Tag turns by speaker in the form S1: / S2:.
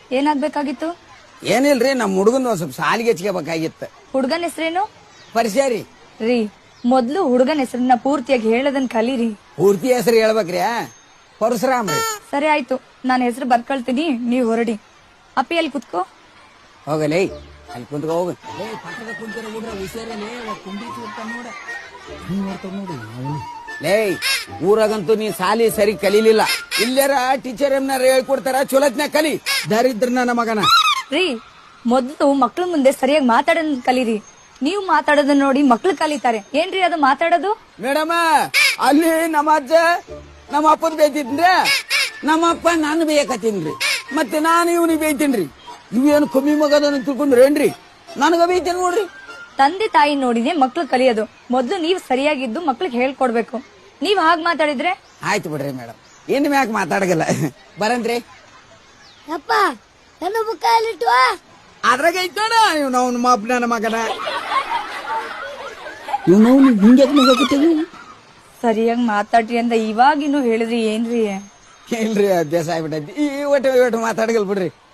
S1: ಏನಾಗ್ಬೇಕಾಗಿತ್ತು?
S2: ಏನಿಲ್ರಿ, ನಮ್ಮ ಹುಡುಗನ್ ಒಂದ್ ಸ್ವಲ್ಪ ಸಾಲಿಗೆ ಹಚ್ಕೋಬೇಕಾಗಿತ್ತು.
S1: ಹುಡುಗನ ಹೆಸರೇನು?
S2: ಪರಿಚಯ ರೀ.
S1: ರೀ, ಮೊದ್ಲು ಹುಡುಗನ ಹೆಸರನ್ನ ಪೂರ್ತಿಯಾಗಿ ಹೇಳದನ್ ಕಲೀರಿ.
S2: ಪೂರ್ತಿ ಹೆಸರು ಹೇಳ್ಬೇಕ್ರಿ. ಪರಶುರಾಮ್ ರೀ.
S1: ಸರಿ ಆಯ್ತು, ನಾನು ಹೆಸರು ಬರ್ಕೊಳ್ತೀನಿ, ನೀವ್ ಹೊರಡಿ. ಅಪ್ಪಿ ಅಲ್ಲಿ ಕುತ್ಕೋ.
S2: ಹೋಗಲೇ ಅಲ್ಲಿ ಕುಂತ್ಕೋ ಹೋಗ. ಪಕ್ಕದ ಕುಂತಿರೋ ಹುಡ್ರ ಹುಷಾರೇ ಕುಂಡಿ ಲೇ, ಊರಾಗಂತೂ ನೀ ಸಾಲಿ ಸರಿ ಕಲೀಲಿಲ್ಲ. ಇಲ್ಲಾರ ಟೀಚರ್ ಏನಾರ ಹೇಳ್ಕೊಡ್ತಾರ, ಚೊಲತ್ನ ಕಲಿ. ದರಿದ್ರ ನನ್ನ ಮಗನ.
S1: ರೀ, ಮೊದ್ಲು ಮಕ್ಳ ಮುಂದೆ ಸರಿಯಾಗಿ ಮಾತಾಡೋದ್ ಕಲೀರಿ. ನೀವು ಮಾತಾಡೋದನ್ನ ನೋಡಿ ಮಕ್ಳು ಕಲಿತಾರೆ. ಏನ್ರಿ ಅದು ಮಾತಾಡೋದು?
S2: ಮೇಡಮ, ಅಲ್ಲಿ ನಮ್ಮ ಅಜ್ಜ ನಮ್ಮ ಅಪ್ಪನ್ ಬೇಯ್ತಿದ್ರಿ, ನಮ್ಮ ಅಪ್ಪ ನಾನು ಬೇಯಕತ್ತೀನ್ರಿ, ಮತ್ತೆ ನಾನು ಇವನಿಗೆ ಬೇಯ್ತೀನ್ರಿ. ಇವೇನು ಕಮ್ಮಿ ಮಗದನ್ನ ತಿಳ್ಕೊಂಡ್ರೇನ್ರಿ? ನನಗ ಬೇಯ್ತೇನೆ ನೋಡ್ರಿ.
S1: ತಂದೆ ತಾಯಿ ನೋಡಿನೇ ಮಕ್ಳು ಕಲಿಯೋದು. ಮೊದ್ಲು ನೀವು ಸರಿಯಾಗಿದ್ದು ಮಕ್ಳಿಗೆ ಹೇಳ್ಕೊಡ್ಬೇಕು. ನೀವ್ ಹಾಗ್ ಮಾತಾಡಿದ್ರೆ
S2: ಆಯ್ತು ಬಿಡ್ರಿ ಮೇಡಮ್, ಇನ್ ಮ್ಯಾಕ್ ಮಾತಾಡಗಲ್ಲ. ಬರಂತ್ರಿ.
S3: ಅಪ್ಪ ನನ್ನ ಬುಕ್ಕ ಅಲ್ಲಿಟ್ಟು
S2: ಅದ್ರಾಗ ಐತೋಣ ಇವ್ ನಾವು ನಮ್ಮ ಅಪ್ಪ ನನ್ನ ಮಗನ. ಇವ್ ನಾವು ಹಿಂಗೆ
S1: ಸರಿಯಾಗಿ ಮಾತಾಡ್ರಿ ಅಂತ ಇವಾಗಿನ್ನು ಹೇಳಿದ್ರಿ. ಏನ್ರಿ
S2: ಇಲ್ರಿ, ಅಭ್ಯಾಸ ಆಗ್ಬಿಟ್ಟೈತಿ. ಈ ಒಟ್ಟು ಮಾತಾಡಗಲ್ ಬಿಡ್ರಿ.